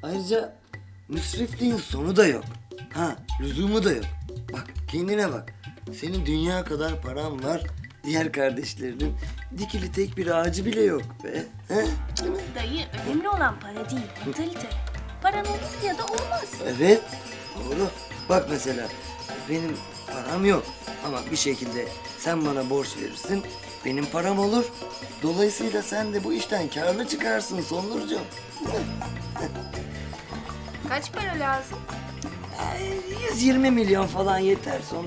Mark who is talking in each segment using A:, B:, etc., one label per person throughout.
A: Ayrıca müsrifliğin sonu da yok. Ha, lüzumu da yok. Bak, kendine bak. Senin dünya kadar paran var. Diğer kardeşlerinin dikili tek bir ağacı bile yok be. Ha? Değil mi?
B: Dayı, önemli olan para değil, mentalite. Paran olur ya da olmaz.
A: Evet, doğru. Bak mesela, benim param yok. Ama bir şekilde sen bana borç verirsin, benim param olur. Dolayısıyla sen de bu işten karlı çıkarsın Sonurcuğum.
B: Kaç para lazım?
A: 120 milyon falan yeter Sonur.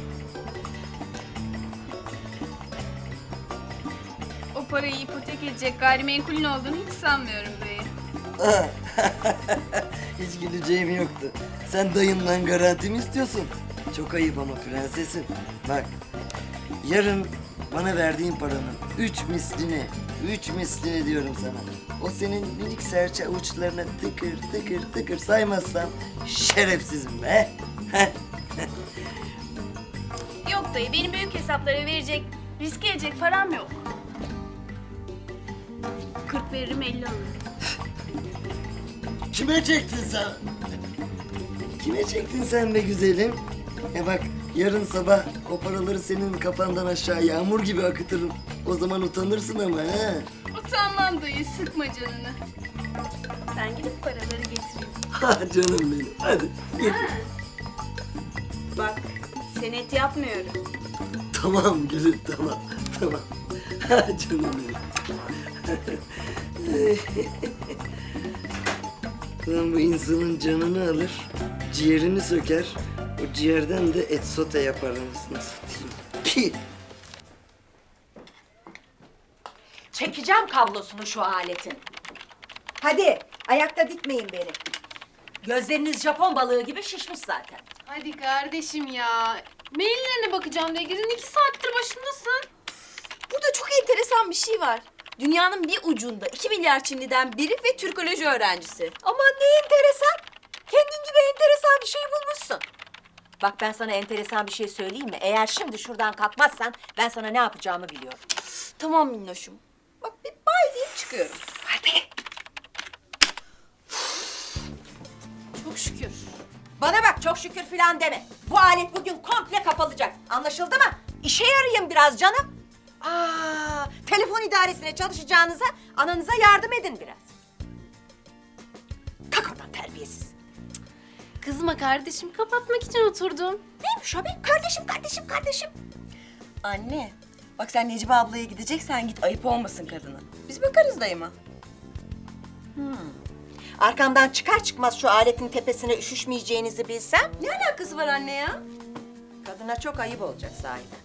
C: O parayı ipotek edecek gayrimenkulün olduğunu hiç sanmıyorum dayı.
A: Hiç güleceğim yoktu. Sen dayından garanti mi istiyorsun? Çok ayıp ama prensesim. Bak, yarın bana verdiğin paranın 3 mislini diyorum sana. O senin minik serçe avuçlarına tıkır tıkır tıkır saymazsam şerefsizim be.
B: Yok dayı, benim büyük hesaplara verecek, riske edecek param yok. 40 veririm, 50 alırım.
A: Kime çektin sen? Kime çektin sen be güzelim? Bak, yarın sabah o paraları senin kafandan aşağı yağmur gibi akıtırım. O zaman utanırsın ama ha.
C: Utanmam dayı, sıkma canını.
B: Ben gidip paraları getireyim.
A: Ha canım benim, hadi git.
B: Bak, senet yapmıyorum.
A: Tamam gülüm, tamam. Ha canım benim. Lan bu insanın canını alır, ciğerini söker. O ciğerden de et sote yapar anasını satayım. Pi!
D: Çekeceğim kablosunu şu aletin. Hadi ayakta dikmeyin beni. Gözleriniz Japon balığı gibi şişmiş zaten.
C: Hadi kardeşim ya. Maillerine bakacağım diye girdin, 2 saattir başındasın.
B: Burada çok enteresan bir şey var. Dünyanın bir ucunda 2 milyar Çinliden biri ve Türkoloji öğrencisi.
D: Aman ne enteresan. Kendin gibi enteresan bir şey bulmuşsun. Bak ben sana enteresan bir şey söyleyeyim mi? Eğer şimdi şuradan kalkmazsan ben sana ne yapacağımı biliyorum.
B: Tamam minnoşum. Bak bir bay deyip çıkıyorum.
D: Hadi.
C: Çok şükür.
D: Bana bak çok şükür filan deme. Bu alet bugün komple kapalacak. Anlaşıldı mı? İşe yarayın biraz canım. Telefon idaresine çalışacağınıza ananıza yardım edin biraz. Kalk oradan terbiyesiz.
C: Kızma kardeşim, kapatmak için oturdum.
D: Neymiş o be? Kardeşim.
B: Anne, bak sen Necibe ablaya gideceksen git, ayıp olmasın kadına. Biz bakarız dayıma.
D: Arkamdan çıkar çıkmaz şu aletin tepesine üşüşmeyeceğinizi bilsem...
B: Ne alakası var anne ya?
D: ...kadına çok ayıp olacak sahiden.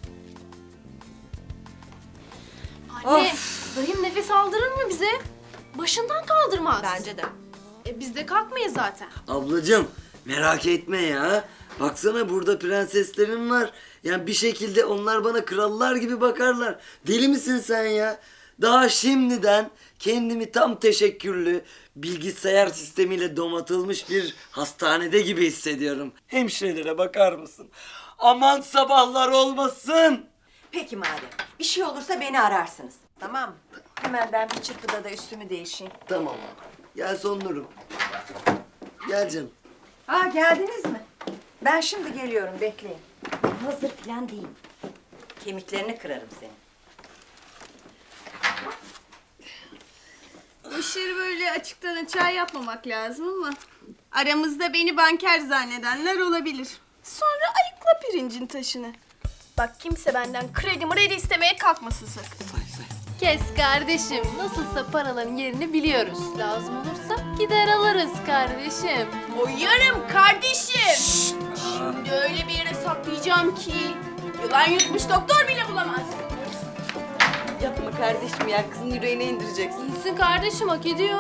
C: Anne, dayım nefes aldırır mı bize? Başından kaldırmaz.
D: Bence de.
C: Biz de kalkmayız zaten.
A: Ablacığım, merak etme ya. Baksana burada prenseslerim var. Yani bir şekilde onlar bana krallar gibi bakarlar. Deli misin sen ya? Daha şimdiden kendimi tam teşekkürlü, bilgisayar sistemiyle donatılmış bir hastanede gibi hissediyorum. Hemşirelere bakar mısın? Aman sabahlar olmasın.
D: Peki madem. Bir şey olursa beni ararsınız. Tamam mı? Hemen ben bir çırpıda da üstümü değişeyim.
A: Tamam. Gel Sonnurum. Gel canım.
D: Geldiniz mi? Ben şimdi geliyorum, bekleyin. Hazır falan değilim. Kemiklerini kırarım senin.
C: Bu işleri böyle açıktan açığa yapmamak lazım ama... ...aramızda beni banker zannedenler olabilir. Sonra ayıkla pirincin taşını.
B: Bak kimse benden kredi istemeye kalkmasın sakın.
C: Kes kardeşim. Nasılsa paraların yerini biliyoruz. Lazım olursa gider alırız kardeşim.
B: Oyarım kardeşim. Şimdi öyle bir yere saklayacağım ki yılan yutmuş doktor bile bulamaz. Yapma kardeşim ya, kızın yüreğine indireceksin.
C: İnsin kardeşim, hak ediyor.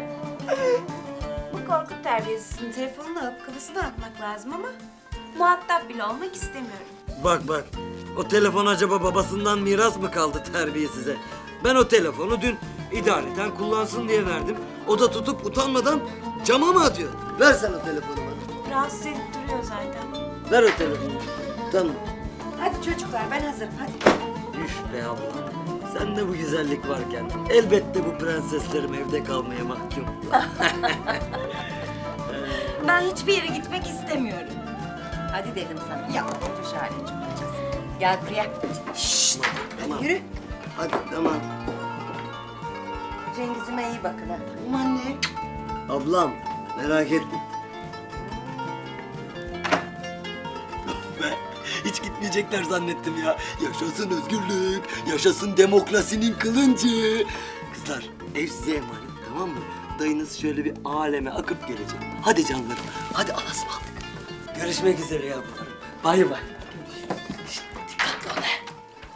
B: Bu korkut terbiyesizin telefonunu alıp kafasına atmak lazım ama muhatap bile olmak istemiyorum.
A: Bak, o telefon acaba babasından miras mı kaldı terbiyesize? Ben o telefonu dün idareten kullansın diye verdim. O da tutup utanmadan cama mı atıyor? Ver sen o telefonu bana.
B: Rahatsız edip duruyor zaten.
A: Ver o telefonu. Tamam.
D: Hadi çocuklar ben hazırım hadi.
A: Üf be abla. Sende bu güzellik varken elbette bu prenseslerim evde kalmaya mahkum.
E: Ben hiçbir yere gitmek istemiyorum.
D: Hadi dedim sana. Yapma Şahane'cim. Gel buraya. Şşt.
A: Tamam.
D: Yürü.
A: Hadi tamam.
D: Cengiz'ime iyi bakın ha.
A: Tamam anne. Ablam merak etme. Hiç gitmeyecekler zannettim ya. Yaşasın özgürlük, yaşasın demokrasinin kılıncı. Kızlar ev size emanet, tamam mı? Dayınız şöyle bir aleme akıp gelecek. Hadi canlarım, hadi Allah'a ısmarladık. Görüşmek üzere yavrularım. Bay bay.